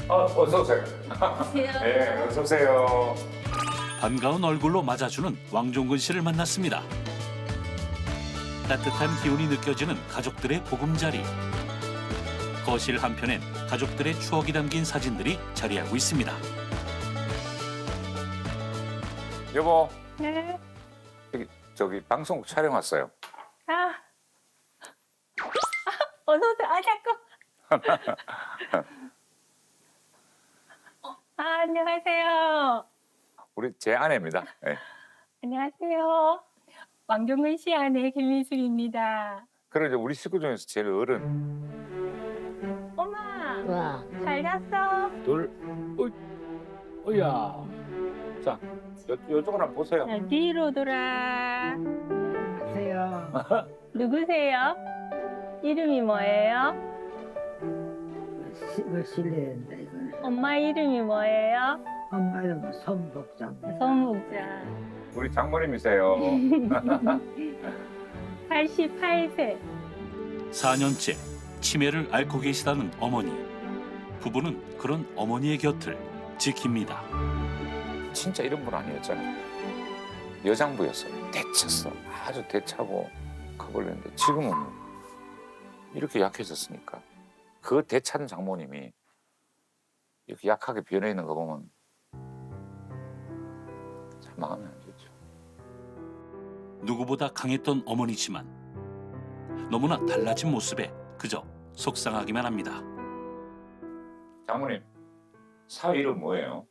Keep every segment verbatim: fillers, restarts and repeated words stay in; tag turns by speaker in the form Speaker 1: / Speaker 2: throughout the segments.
Speaker 1: 어, 어서 오세요. 네, 어서 오세요.
Speaker 2: 반가운 얼굴로 맞아주는 왕종근 씨를 만났습니다. 따뜻한 기운이 느껴지는 가족들의 보금자리. 거실 한편엔 가족들의 추억이 담긴 사진들이 자리하고 있습니다.
Speaker 1: 여보,
Speaker 3: 네.
Speaker 1: 저기, 저기 방송국 촬영 왔어요.
Speaker 3: 아. 어서 오세요. 아, 자꾸. 아, 안녕하세요.
Speaker 1: 우리 제 아내입니다. 네.
Speaker 3: 안녕하세요. 왕종근 씨 아내 김민숙입니다.
Speaker 1: 그러죠. 우리 식구 중에서 제일 어른.
Speaker 3: 엄마,
Speaker 4: 와,
Speaker 3: 잘 잤어?
Speaker 1: 둘, 어, 어야. 자, 요, 요쪽을 한번 보세요.
Speaker 3: 자, 뒤로 돌아.
Speaker 4: 안녕하세요.
Speaker 3: 누구세요? 이름이 뭐예요?
Speaker 4: 이거 실례된다, 이거는.
Speaker 3: 엄마 이름이 뭐예요?
Speaker 4: 엄마 이름은 손복장.
Speaker 3: 손목자.
Speaker 1: 우리 장모님이세요.
Speaker 3: 팔십팔 세.
Speaker 2: 사 년째 치매를 앓고 계시다는 어머니. 부부는 그런 어머니의 곁을 지킵니다.
Speaker 1: 진짜 이런 분 아니었잖아요. 여장부였어요. 대쳤어. 아주 대차고 커버렸는데 지금은 이렇게 약해졌으니까 그 대찬 장모님이 이렇게 약하게 변해 있는 거 보면 참 마음이 안 좋죠.
Speaker 2: 누구보다 강했던 어머니지만 너무나 달라진 모습에 그저 속상하기만 합니다.
Speaker 1: 장모님, 사위 이름 뭐예요?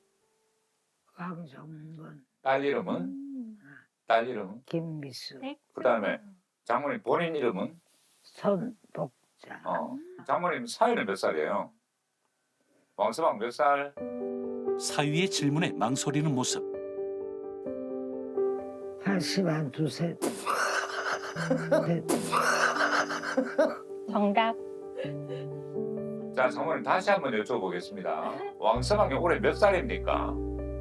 Speaker 4: 황정근,
Speaker 1: 딸 이름은?
Speaker 3: 음.
Speaker 1: 딸 이름은?
Speaker 4: 김미수,
Speaker 1: 그다음에 장모님 본인 이름은?
Speaker 4: 손복장.
Speaker 1: 어. 장모님 사위는 몇 살이에요? 왕서방 몇 살?
Speaker 2: 사위의 질문에 망설이는 모습.
Speaker 4: 팔십한 두세. 네.
Speaker 3: 정답.
Speaker 1: 자, 장모님 다시 한번 여쭤보겠습니다. 왕서방이 올해 몇 살입니까?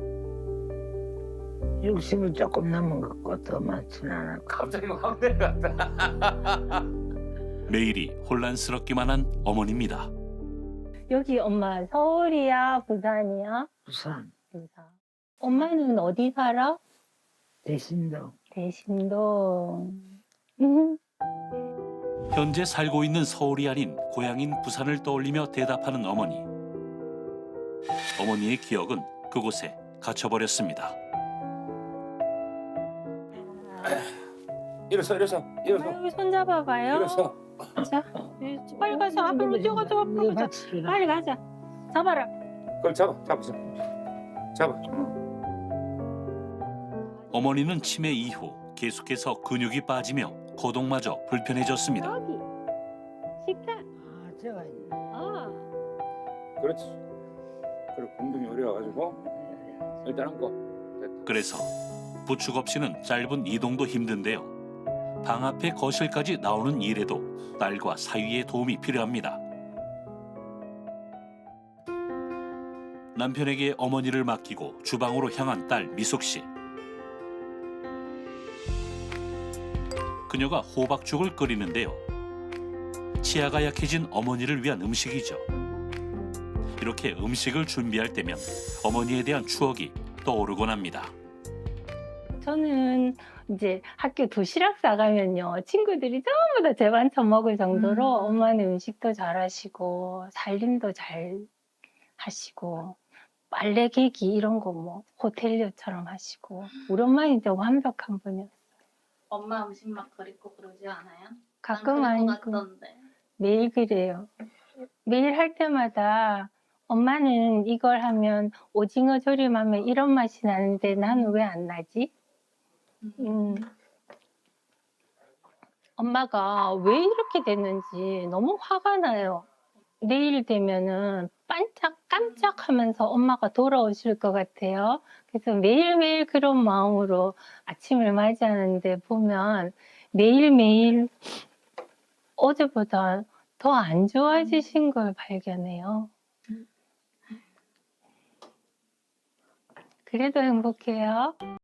Speaker 4: 육십을 조금 넘은 것 같고 더 많지는 않았고.
Speaker 1: 갑자기 확 내려갔다.
Speaker 2: 매일이 혼란스럽기만 한 어머니입니다.
Speaker 3: 여기 엄마 서울이야, 부산이야?
Speaker 4: 부산,
Speaker 3: 부산. 엄마는 어디 살아?
Speaker 4: 대신동.
Speaker 3: 대신동. 음.
Speaker 2: 현재 살고 있는 서울이 아닌 고향인 부산을 떠올리며 대답하는 어머니. 어머니의 기억은 그곳에 갇혀버렸습니다.
Speaker 1: 일어서, 일어서, 일어서,
Speaker 3: 아유, 손잡아봐요.
Speaker 1: 일어서.
Speaker 3: 자, 빨리 가서 앞으로 뛰어가서 앞으로 가자. 빨리 가자. 잡아라.
Speaker 1: 그걸 잡아, 잡아, 잡아.
Speaker 2: 어머니는 치매 이후 계속해서 근육이 빠지며 거동마저 불편해졌습니다.
Speaker 3: 여기. 식탁.
Speaker 4: 아, 저가 있네.
Speaker 3: 어.
Speaker 1: 그렇지. 그리고 공둥이 어려워가지고 일단 앉고. 됐다.
Speaker 2: 그래서 부축 없이는 짧은 이동도 힘든데요. 방 앞에 거실까지 나오는 일에도 딸과 사위의 도움이 필요합니다. 남편에게 어머니를 맡기고 주방으로 향한 딸 미숙 씨. 그녀가 호박죽을 끓이는데요. 치아가 약해진 어머니를 위한 음식이죠. 이렇게 음식을 준비할 때면 어머니에 대한 추억이 떠오르곤 합니다.
Speaker 3: 저는 이제 학교 도시락 싸가면요. 친구들이 전부 다 제 반찬 먹을 정도로
Speaker 4: 음.
Speaker 3: 엄마는 음식도 잘하시고 살림도 잘 하시고 빨래 개기 이런 거 뭐 호텔리어처럼 하시고 우리 엄마는 진짜 완벽한 분이었어요.
Speaker 5: 엄마 음식 막 그립고 그러지 않아요?
Speaker 3: 가끔
Speaker 5: 난 그럴 것
Speaker 3: 아니고
Speaker 5: 같던데.
Speaker 3: 매일 그래요. 매일 할 때마다 엄마는 이걸 하면 오징어 조림하면 이런 맛이 나는데 나는 왜 안 나지? 음. 엄마가 왜 이렇게 됐는지 너무 화가 나요. 내일 되면은 반짝 깜짝하면서 엄마가 돌아오실 것 같아요. 그래서 매일매일 그런 마음으로 아침을 맞이하는데 보면 매일매일 어제보다 더 안 좋아지신 걸 발견해요. 그래도 행복해요.